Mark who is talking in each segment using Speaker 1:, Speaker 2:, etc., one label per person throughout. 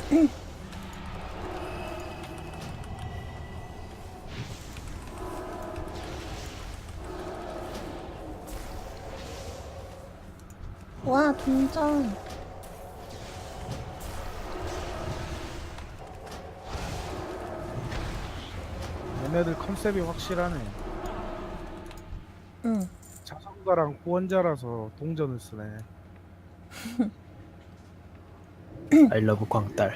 Speaker 1: 와, 동전.
Speaker 2: 얘네들 컨셉이 확실하네.
Speaker 1: 응.
Speaker 2: 자선가랑 후원자라서 동전을 쓰네.
Speaker 3: 아이러브 광딸.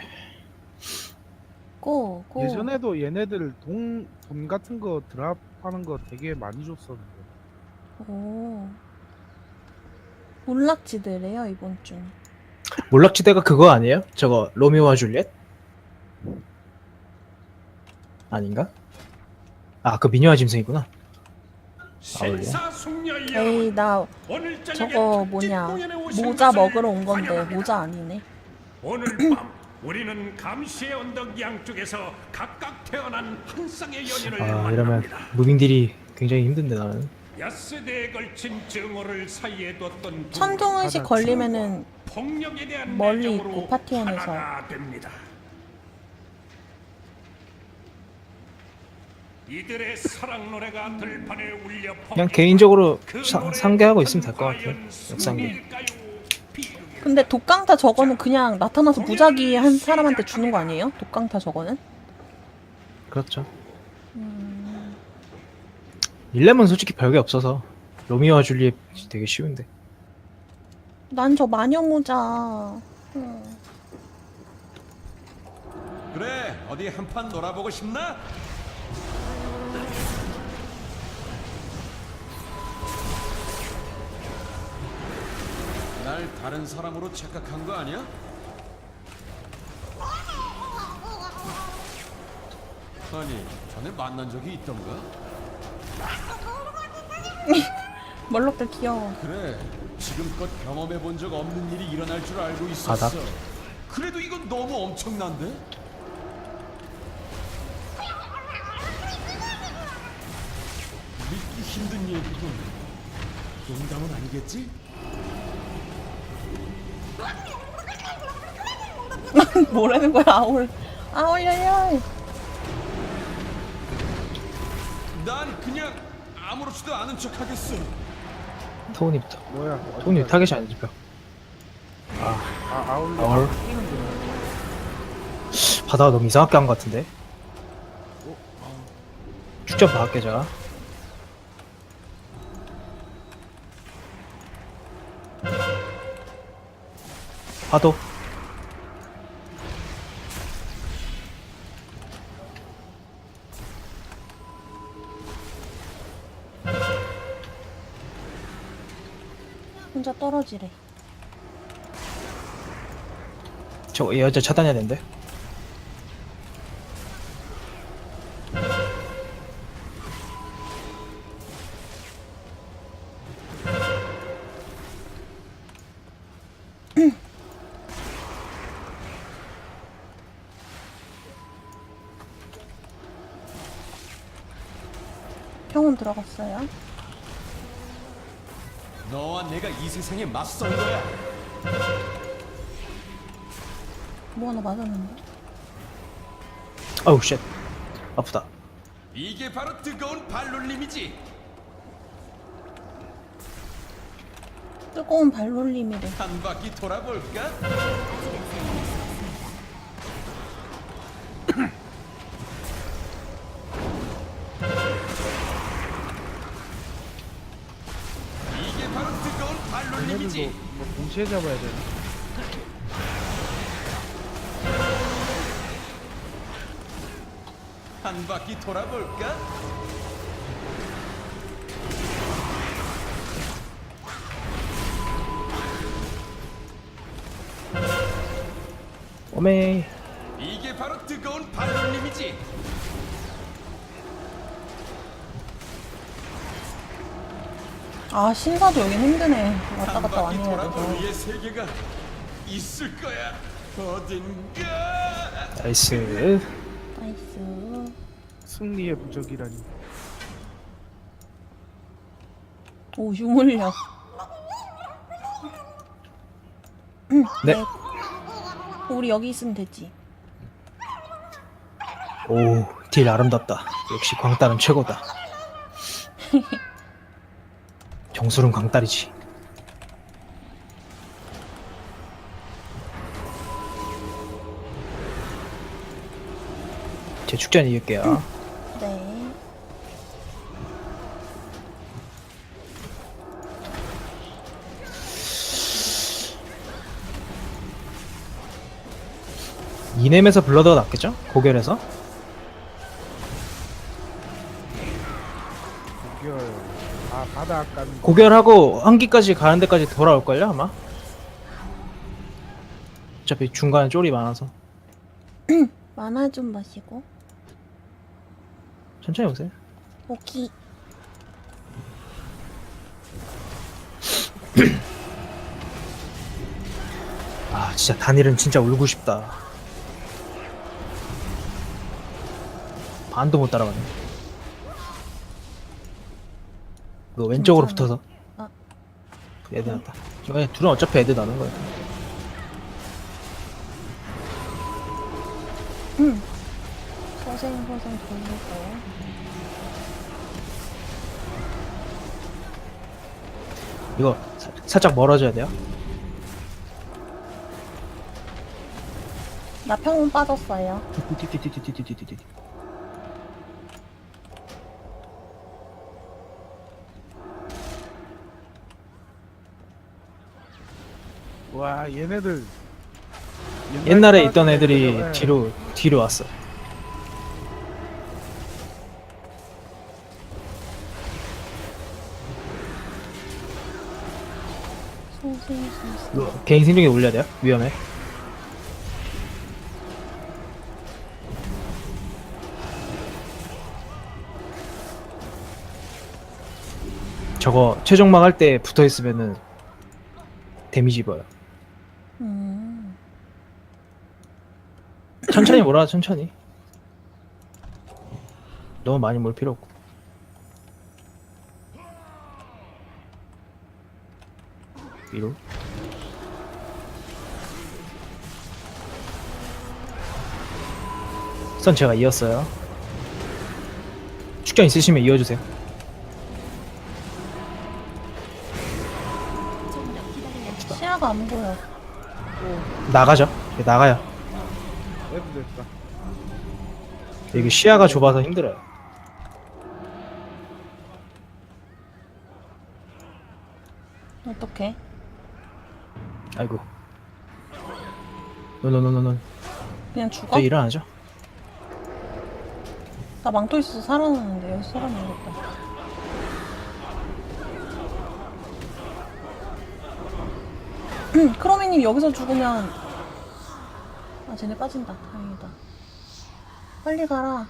Speaker 1: 고.
Speaker 2: 예전에도 얘네들 돈 같은 거 드랍하는 거 되게 많이 줬었는데.
Speaker 1: 오. 몰락지대래요, 이번 주.
Speaker 3: 몰락지대가 그거 아니에요? 저거 로미오와 줄리엣? 아닌가? 아, 그 미녀와 짐승이구나.
Speaker 1: 에이, 나 저거 뭐냐. 모자 먹으러 온 건데, 모자 아니네.
Speaker 4: 오늘 밤 우리는 감시의 언덕 양쪽에서 각각 태어난 한 쌍의 연인을
Speaker 3: 아, 이러면
Speaker 4: 만납니다.
Speaker 3: 무빙들이 굉장히 힘든데 나는.
Speaker 4: 엿새대에 걸친 증오를 사이에 뒀던 두
Speaker 1: 천둥의식 걸리면은
Speaker 4: 폭력에 대한
Speaker 1: 멀리
Speaker 4: 내정으로
Speaker 1: 있고 파티원에서.
Speaker 4: 하나가 됩니다. 이들의 사랑 노래가 들판에 울려
Speaker 3: 그냥 개인적으로
Speaker 4: 그
Speaker 3: 상계하고 있으면 될 것 같아요. 역상계.
Speaker 1: 근데 독강타 저거는 그냥 나타나서 무작위 한 사람한테 주는 거 아니에요? 독강타 저거는?
Speaker 3: 그렇죠. 릴렘은 솔직히 별게 없어서 로미오와 줄리엣 되게 쉬운데.
Speaker 1: 난 저 마녀 모자. 응.
Speaker 5: 그래, 어디 한판 놀아보고 싶나? 날 다른 사람으로 착각한 거 아니야? 아니, 전에 만난 적이 있던가?
Speaker 1: 멀록들 귀여워.
Speaker 5: 그래, 지금껏 경험해 본 적 없는 일이 일어날 줄 알고 있었어.
Speaker 3: 바닥?
Speaker 5: 그래도 이건 너무 엄청난데? 믿기 힘든 얘기군. 농담은 아니겠지?
Speaker 1: 뭐라는 거야, 아울. 아울려요.
Speaker 5: 난 그냥 아무렇지도 않은 척 하겠어.
Speaker 3: 토니부터.
Speaker 2: 뭐야?
Speaker 3: 토니 타겟이 안 잡혀.
Speaker 2: 아울러.
Speaker 3: 아울. 바다가 너무 이상하게 한 것 같은데. 축전 받을게 제가. 파도.
Speaker 1: 혼자 떨어지래.
Speaker 3: 저 여자 차단해야 되는데.
Speaker 1: 평온 들어갔어요.
Speaker 5: 너와 내가 이 세상에 맞선 거야.
Speaker 1: 뭐 하나 맞았는데?
Speaker 3: 어우 쉣. 아프다.
Speaker 5: 이게 바로 뜨거운 발놀림이지.
Speaker 1: 뜨거운 발놀림이래.
Speaker 5: 한 바퀴 돌아볼까? 이게 바로 뜨거운
Speaker 2: 얘네들도
Speaker 5: 발놀림이지.
Speaker 2: 뭐 동시에 잡아야 되나?
Speaker 5: 한 바퀴 돌아볼까?
Speaker 3: 오메.
Speaker 5: 이게 바로 뜨거운 발놀림이지.
Speaker 1: 아, 신사도 여긴 힘드네. 왔다
Speaker 5: 한
Speaker 1: 갔다
Speaker 5: 바퀴
Speaker 1: 많이 해야
Speaker 5: 돌아볼
Speaker 1: 돼서.
Speaker 5: 우리의 세계가 있을 거야. 어딘가.
Speaker 3: 나이스.
Speaker 1: 나이스.
Speaker 2: 승리의 부적이라니.
Speaker 1: 오, 유물력.
Speaker 3: 네.
Speaker 1: 우리 여기 있으면 되지.
Speaker 3: 오, 딜 아름답다. 역시 광딸은 최고다. 정수는 광딸이지. 제 축전 이길게요.
Speaker 1: 네.
Speaker 3: 이넴에서 블러드가 낫겠죠? 고결해서?
Speaker 2: 고결. 아 바닥 가는.
Speaker 3: 고결하고 한기까지 가는 데까지 돌아올걸요 아마? 어차피 중간에 쫄이 많아서
Speaker 1: 만화 좀 마시고.
Speaker 3: 천천히 오세요.
Speaker 1: 오키.
Speaker 3: 아 진짜 단일은 진짜 울고 싶다. 반도 못 따라가네. 이거 왼쪽으로
Speaker 1: 괜찮아.
Speaker 3: 붙어서
Speaker 1: 아.
Speaker 3: 애드 났다. 둘은 어차피 애드 나는 거야.
Speaker 1: 서생서생 돌리고.
Speaker 3: 이거 살짝 멀어져야 돼요.
Speaker 1: 나 평온 빠졌어요.
Speaker 3: 띠띠띠띠띠띠띠띠띠.
Speaker 2: 와 얘네들.
Speaker 3: 옛날에 있던 애들이
Speaker 2: 네.
Speaker 3: 뒤로 왔어.
Speaker 1: 소생소생.
Speaker 3: 이거 개인 생존기 올려야 돼요? 위험해. 저거 최종막 할 때 붙어 있으면은 데미지 입어요. 천천히 몰아, 천천히. 너무 많이 몰 필요 없고. 위로. 선 제가 이었어요. 축전 있으시면 이어주세요.
Speaker 1: 시야가 안 보여.
Speaker 3: 나가죠. 나가요.
Speaker 2: 애들 됐다.
Speaker 3: 이게 시야가 좁아서 힘들어요.
Speaker 1: 어떡해?
Speaker 3: 아이고. 노노노노노.
Speaker 1: 그냥 죽어?
Speaker 3: 저 일어나죠.
Speaker 1: 나 망토 있어서 살아났는데 여기서 살아나겠다. 크로미님 여기서 죽으면 아 쟤네 빠진다. 다행이다. 빨리 가라.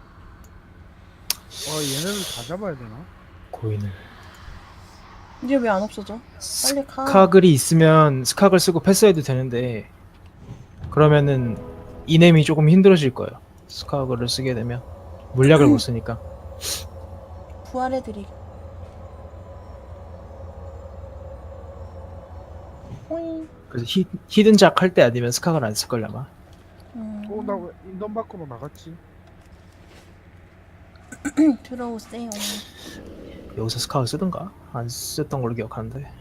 Speaker 2: 얘네들 다 잡아야 되나?
Speaker 3: 고인을.
Speaker 1: 이제 왜 안 없어져? 빨리 가.
Speaker 3: 스카글이 있으면 스카글 쓰고 패스해도 되는데 그러면은 이넴이 조금 힘들어질 거예요. 스카글을 쓰게 되면 물약을 못 쓰니까.
Speaker 1: 부활해드리. 호잉.
Speaker 3: 그래서 히든작 할 때 아니면 스카글 안 쓸걸요 아마.
Speaker 2: 나 왜 인던 밖으로 나갔지?
Speaker 1: 들어오세요.
Speaker 3: 여기서 스카글 쓰던가? 안 썼던 걸로 기억하는데.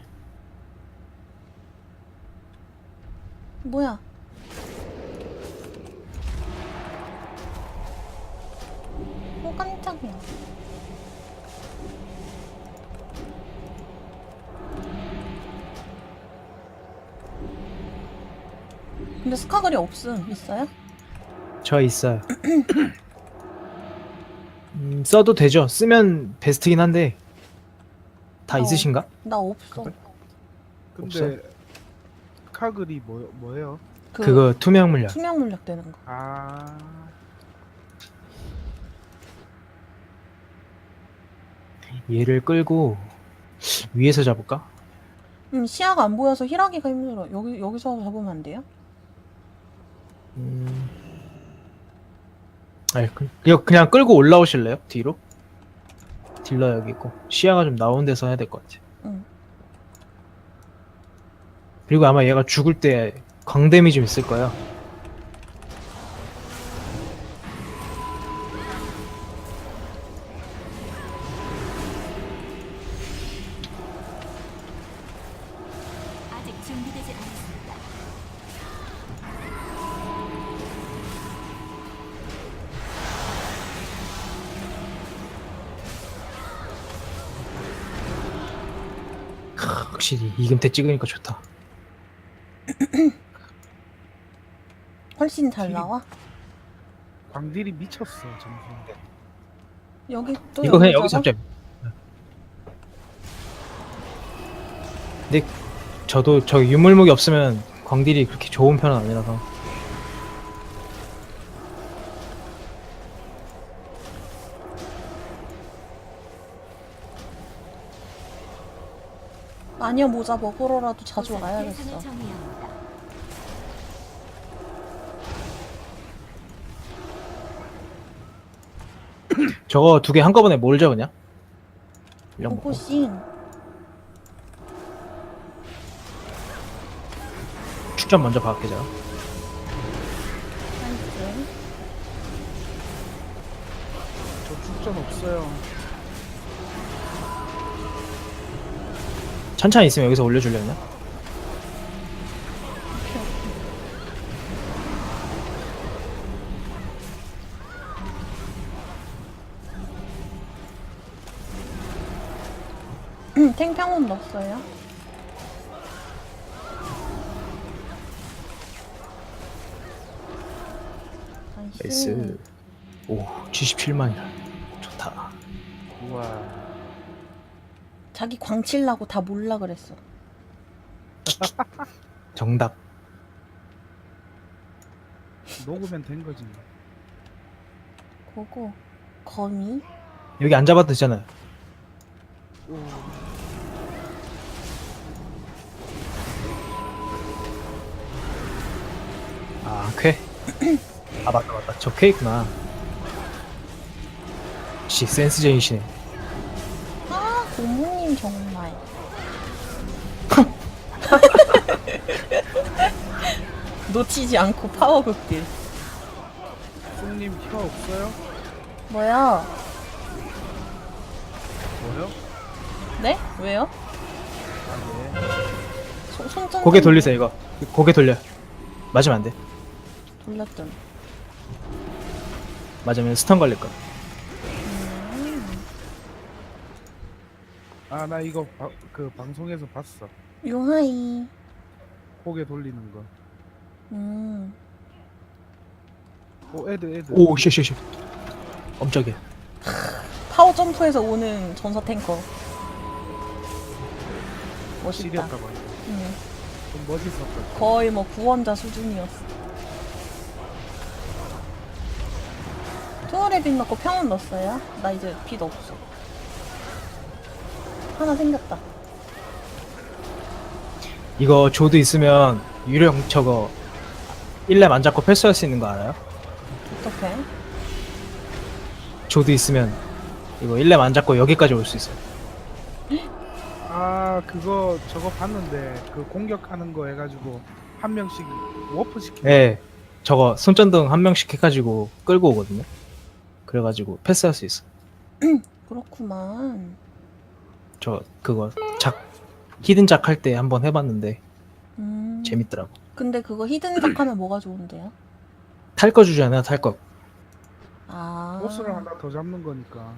Speaker 1: 뭐야? 깜짝이야. 근데 스카글이 없음. 있어요?
Speaker 3: 저 있어요. 써도 되죠. 쓰면 베스트긴 한데 다 있으신가?
Speaker 1: 나 없어.
Speaker 2: 근데 카글이 뭐예요?
Speaker 3: 그거 투명 물약.
Speaker 1: 투명 물약 되는 거.
Speaker 2: 아
Speaker 3: 얘를 끌고 위에서 잡을까?
Speaker 1: 시야가 안 보여서 힐하기가 힘들어. 여기서 잡으면 안 돼요?
Speaker 3: 아니 그냥 끌고 올라오실래요? 뒤로? 딜러 여기 있고 시야가 좀 나온 데서 해야 될 것 같아.
Speaker 1: 응.
Speaker 3: 그리고 아마 얘가 죽을 때 광댐이 좀 있을 거야. 확실히 이금태 찍으니까 좋다.
Speaker 1: 훨씬 잘 나와?
Speaker 2: 광딜이 미쳤어 점수.
Speaker 1: 여기 또
Speaker 3: 이거 그냥
Speaker 1: 여기
Speaker 3: 여기서
Speaker 1: 잡아?
Speaker 3: 잡자. 근데 저도 저 유물목이 없으면 광딜이 그렇게 좋은 편은 아니라서.
Speaker 1: 마녀 모자 먹으러라도 자주 와야겠어.
Speaker 6: 대상을 정해야 합니다.
Speaker 3: 저거 두 개 한꺼번에 몰자 그냥. 이런 거.
Speaker 1: 고고싱.
Speaker 3: 축전 먼저 박을게 자.
Speaker 1: 나이스.
Speaker 2: 저 축전 없어요.
Speaker 3: 찬찬히 있으면 여기서 올려주려나?
Speaker 1: 탱평은 넣었어요.
Speaker 3: 나이스. 오 77만이라 좋다.
Speaker 2: 우와.
Speaker 1: 자기 광칠라고 다 몰라 그랬어.
Speaker 3: 정답.
Speaker 2: 녹으면 된 거지.
Speaker 1: 고고. 거미.
Speaker 3: 여기 안 잡아도 되잖아요.
Speaker 2: 오.
Speaker 3: 아 쾌. 아 맞다 맞다. 저 쾌있구나. 역시 센스쟁이시네.
Speaker 1: 아, 고모님 정말. 놓치지 않고 파워 극딜.
Speaker 2: 쑥님 혀 없어요?
Speaker 1: 뭐야?
Speaker 2: 뭐요?
Speaker 1: 네? 왜요?
Speaker 2: 아 네.
Speaker 1: 손전
Speaker 3: 고개 돌리세요 이거. 고개 돌려. 맞으면 안 돼.
Speaker 1: 돌렸던.
Speaker 3: 맞으면 스턴 걸릴 거야.
Speaker 2: 아 나 이거 그 방송에서 봤어.
Speaker 1: 요하이.
Speaker 2: 고개 돌리는 거. 오 애들.
Speaker 3: 오 쉐쉐쉐. 깜짝이야.
Speaker 1: 파워 점프에서 오는 전사 탱커. 멋있다.
Speaker 2: 시리였다 봐. 좀 멋있었다.
Speaker 1: 거의 뭐 구원자 수준이었어. 투어레 빛 넣고 평온 넣었어요? 나 이제 빛 없어. 하나 생겼다.
Speaker 3: 이거 조드 있으면 유령 저거 1렙 안 잡고 패스할 수 있는 거 알아요?
Speaker 1: 어떡해?
Speaker 3: 조드 있으면 이거 1렙 안 잡고 여기까지 올 수 있어요.
Speaker 2: 아 그거 저거 봤는데 그 공격하는 거 해가지고 한 명씩 워프 시키.
Speaker 3: 예. 저거 손전등 한 명씩 해가지고 끌고 오거든요. 그래가지고 패스할 수 있어.
Speaker 1: 그렇구만.
Speaker 3: 저 그거 히든작 할 때 한번 해봤는데 재밌더라고.
Speaker 1: 근데 그거 히든작 하면 뭐가 좋은데요?
Speaker 3: 탈 거 주잖아, 탈 거.
Speaker 1: 아.
Speaker 2: 보스를 하나 더 잡는 거니까.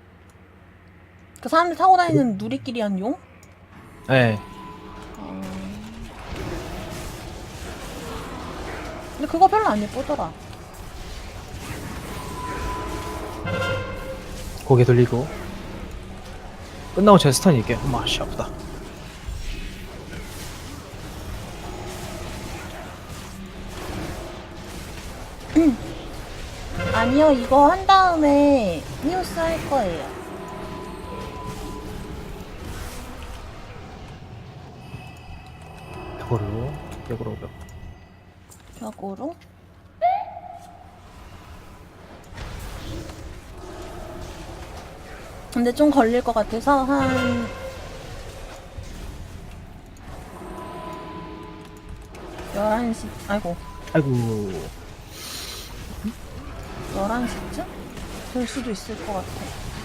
Speaker 1: 그 사람들 타고 다니는 누리끼리한 용?
Speaker 3: 예.
Speaker 1: 근데 그거 별로 안 예쁘더라.
Speaker 3: 고개 돌리고. 끝나고 제가 스턴 일게요. 엄마, 씨, 아프다.
Speaker 1: 아니요, 이거 한 다음에 히오스 할 거예요.
Speaker 3: 벽으로.
Speaker 1: 벽으로? 근데 좀 걸릴 것 같아서 한 11시, 아이고,
Speaker 3: 아이고.
Speaker 1: 11시쯤? 될 수도 있을 것 같아.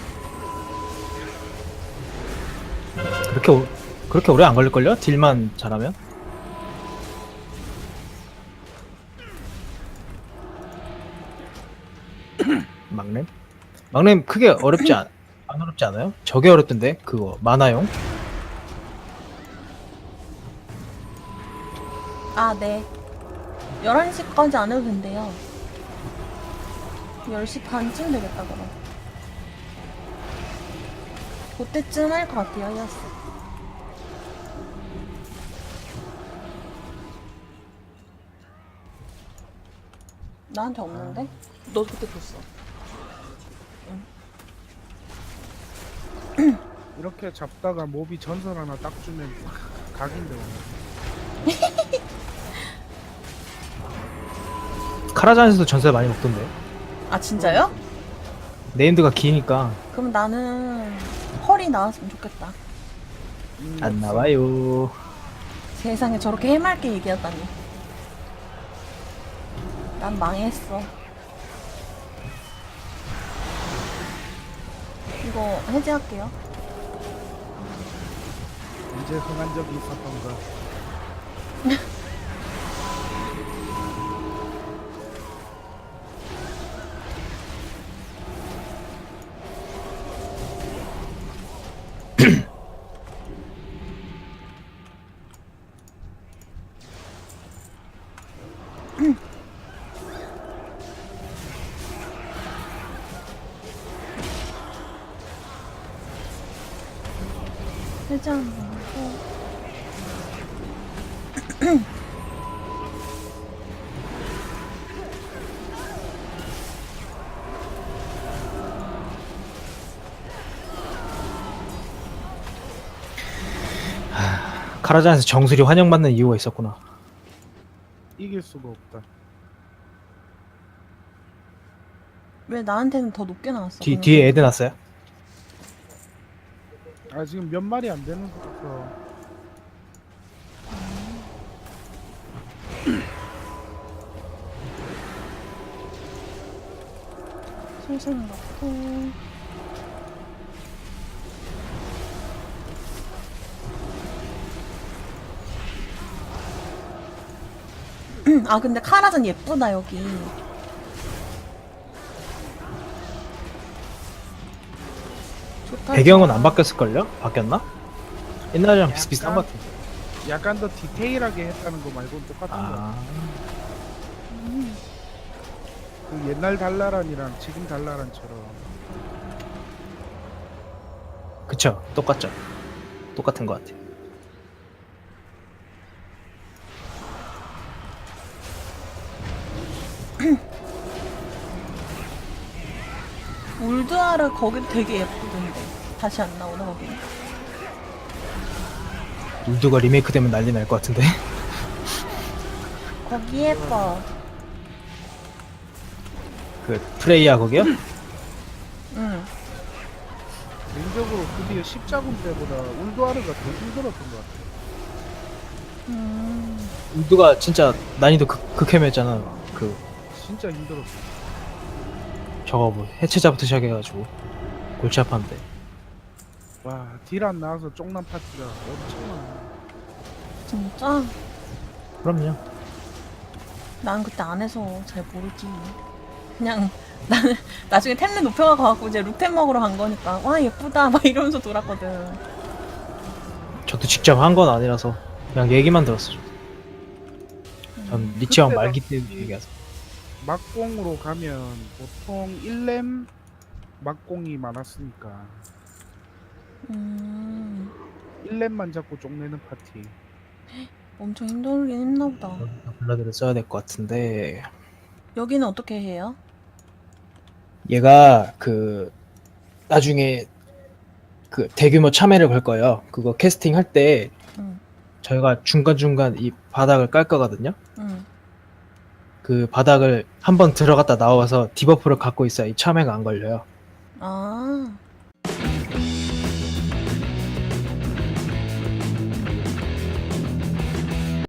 Speaker 3: 그렇게 오래 안 걸릴걸요? 딜만 잘하면? 막렘? 막렘 크게 안 어렵지 않아요? 저게 어렵던데? 그거 만화용?
Speaker 1: 아, 네. 11시까지 안 해도 된대요. 10시 반쯤 되겠다, 그럼. 그때쯤 할 것 같아요, 야스. 나한테 없는데? 너 그때 줬어.
Speaker 2: 이렇게 잡다가 몹이 전설 하나 딱 주면 각인데 오늘.
Speaker 3: 카라잔에서도 전설 많이 먹던데.
Speaker 1: 아, 진짜요?
Speaker 3: 네임드가 기니까
Speaker 1: 그럼 나는 펄이 나왔으면 좋겠다.
Speaker 3: 안 나와요.
Speaker 1: 세상에 저렇게 해맑게 얘기하다니. 난 망했어. 이거 해제할게요.
Speaker 2: 언제 흥한 적이 있었던가.
Speaker 1: 해제 한번 하고.
Speaker 3: 카라잔에서 정수리 환영받는 이유가 있었구나.
Speaker 2: 이길 수가 없다.
Speaker 1: 왜 나한테는 더 높게 나왔어?
Speaker 3: 뒤에 애드 났어요?
Speaker 2: 아 지금 몇 마리 안 되는 거라서.
Speaker 1: 슬슬 넣고. 아, 근데 카라잔 예쁘다, 여기. 좋다.
Speaker 3: 배경은
Speaker 1: 좋아.
Speaker 3: 안 바뀌었을걸요? 바뀌었나? 옛날이랑 비슷비슷한 것 같은데.
Speaker 2: 약간 더 디테일하게 했다는 거 말고는 똑같은 거.
Speaker 3: 아,
Speaker 2: 그 옛날 달라란이랑 지금 달라란처럼.
Speaker 3: 그쵸. 똑같죠. 똑같은 것 같아.
Speaker 1: 울드아르 거기도 되게 예쁘던데. 다시 안 나오나, 거기는?
Speaker 3: 울드가 리메이크 되면 난리 날 것 같은데.
Speaker 1: 거기 예뻐.
Speaker 3: 그 프레이야 거기요?
Speaker 1: 응.
Speaker 2: 개인적으로 드디어 십자군 때보다 울도아르가 더 힘들었던 것 같아.
Speaker 3: 울드가 진짜 난이도 극혐했잖아. 그
Speaker 2: 진짜 힘들었어.
Speaker 3: 저거 뭐 해체자부터 시작해가지고 골치 아팠는데.
Speaker 2: 와, 딜 안 나와서 쪽난 파티가 엄청나.
Speaker 1: 진짜?
Speaker 3: 그럼요.
Speaker 1: 난 그때 안 해서 잘 모르지. 그냥 나는 나중에 템레 높여가 가갖고 이제 룩템 먹으러 간 거니까 와 예쁘다 막 이러면서 돌았거든.
Speaker 3: 저도 직접 한 건 아니라서 그냥 얘기만 들었어. 전 리치왕
Speaker 2: 그때
Speaker 3: 말기
Speaker 2: 당시
Speaker 3: 때문에 얘기해서.
Speaker 2: 막공으로 가면 보통 1렘 막공이 많았으니까
Speaker 1: 음,
Speaker 2: 1렘만 잡고 쪽내는 파티.
Speaker 1: 엄청 힘들긴 했나 보다.
Speaker 3: 블라드를 써야 될 것 같은데
Speaker 1: 여기는 어떻게 해요?
Speaker 3: 얘가 그 나중에 그 대규모 참여를 걸 거예요. 그거 캐스팅 할 때
Speaker 1: 응,
Speaker 3: 저희가 중간중간 이 바닥을 깔 거거든요.
Speaker 1: 응.
Speaker 3: 그 바닥을 한번 들어갔다 나와서 디버프를 갖고 있어야 이 참여가 안 걸려요.
Speaker 1: 아,